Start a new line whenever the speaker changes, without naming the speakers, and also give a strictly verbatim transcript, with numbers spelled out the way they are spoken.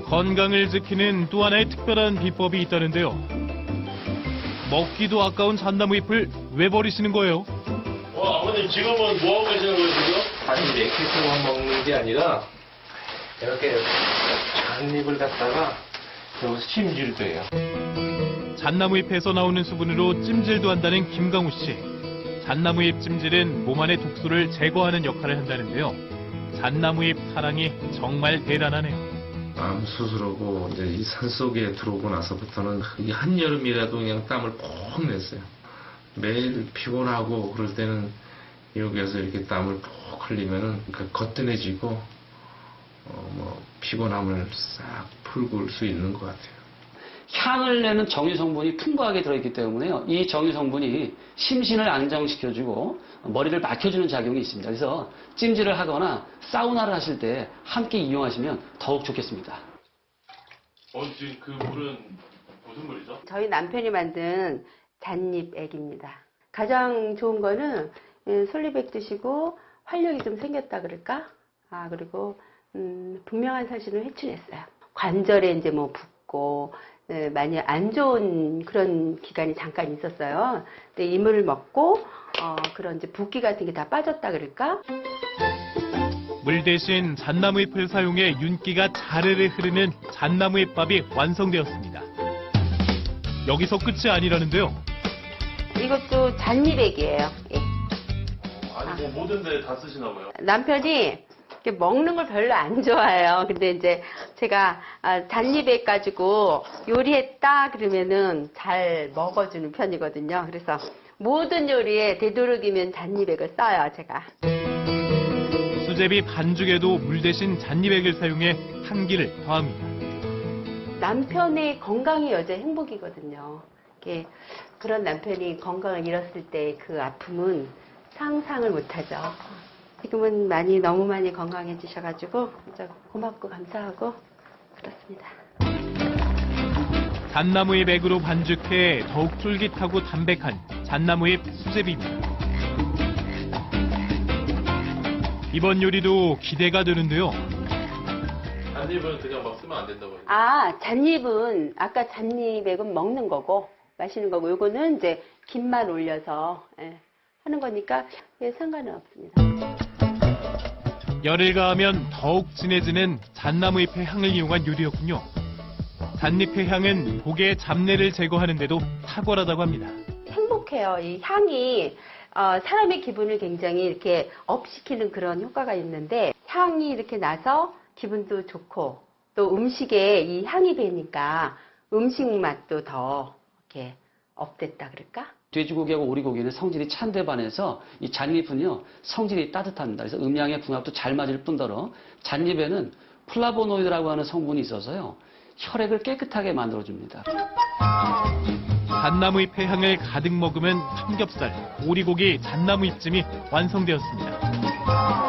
건강을 지키는 또 하나의 특별한 비법이 있다는데요. 먹기도 아까운 잣나무 잎을 왜 버리시는 거예요?
어, 아버님 지금은 뭐 하고 계시는 거예요, 지금?
아니, 액기스만 먹는 게 아니라 이렇게 잣잎을 갖다가 여기서 찜질도 해요.
잣나무 잎에서 나오는 수분으로 찜질도 한다는 김강우 씨. 잣나무 잎 찜질은 몸 안의 독소를 제거하는 역할을 한다는데요. 잣나무 잎 사랑이 정말 대단하네요.
암 수술하고 이제 이 산속에 들어오고 나서부터는 이 한여름이라도 그냥 땀을 푹 냈어요. 매일 피곤하고 그럴 때는 여기에서 이렇게 땀을 푹 흘리면은 그 거뜬해지고 어 뭐 피곤함을 싹 풀고 올 수 있는 것 같아요.
향을 내는 정유 성분이 풍부하게 들어있기 때문에요. 이 정유 성분이 심신을 안정시켜주고 머리를 막혀주는 작용이 있습니다. 그래서 찜질을 하거나 사우나를 하실 때 함께 이용하시면 더욱 좋겠습니다.
어, 지금 그 물은 무슨 물이죠?
저희 남편이 만든 잣잎 액입니다. 가장 좋은 거는 솔리백 드시고 활력이 좀 생겼다 그럴까? 아, 그리고 음, 분명한 사실을 회춘했어요. 관절에 이제 뭐 붓고 네, 많이 안 좋은 그런 기간이 잠깐 있었어요. 근데 이 물을 먹고 어, 그런 이제 붓기 같은 게 다 빠졌다 그럴까?
물 대신 잣나무 잎을 사용해 윤기가 자르르 흐르는 잣나무 잎밥이 완성되었습니다. 여기서 끝이 아니라는데요.
이것도 잣잎액이에요. 예.
아니, 뭐 모든 데 다 쓰시나 봐요.
남편이 이렇게 먹는 걸 별로 안 좋아해요. 근데 이제 제가 아, 잣잎액 가지고 요리했다 그러면은 잘 먹어주는 편이거든요. 그래서 모든 요리에 되도록이면 잣잎액을 써요, 제가.
수제비 반죽에도 물 대신 잣잎액을 사용해 향기를 더합니다.
남편의 건강이 여자 행복이거든요. 이렇게 그런 남편이 건강을 잃었을 때 그 아픔은 상상을 못하죠. 지금은 많이 너무 많이 건강해지셔가지고 진짜 고맙고 감사하고 그렇습니다.
잣나무잎 액으로 반죽해 더욱 쫄깃하고 담백한 잣나무잎 수제비입니다. 이번 요리도 기대가 되는데요.
잣잎은 그냥 막 쓰면 안 된다고 해요.
아, 잣잎은 아까 잣잎액은 먹는 거고 마시는 거고 요거는 이제 김만 올려서 예, 하는 거니까 예, 상관은 없습니다.
열을 가하면 더욱 진해지는 잣나무잎의 향을 이용한 요리였군요. 잣잎의 향은 복의 잡내를 제거하는 데도 탁월하다고 합니다.
행복해요. 이 향이 어, 사람의 기분을 굉장히 이렇게 업시키는 그런 효과가 있는데 향이 이렇게 나서 기분도 좋고 또 음식에 이 향이 배니까 음식 맛도 더 이렇게 업됐다 그럴까?
돼지고기하고 오리고기는 성질이 찬데 반해서 이 잣잎은요 성질이 따뜻합니다. 그래서 음양의 궁합도 잘 맞을 뿐더러 잣잎에는 플라보노이드라고 하는 성분이 있어서요 혈액을 깨끗하게 만들어줍니다.
잣나무잎의 향을 가득 머금은 삼겹살, 오리고기 잣나무잎찜이 완성되었습니다.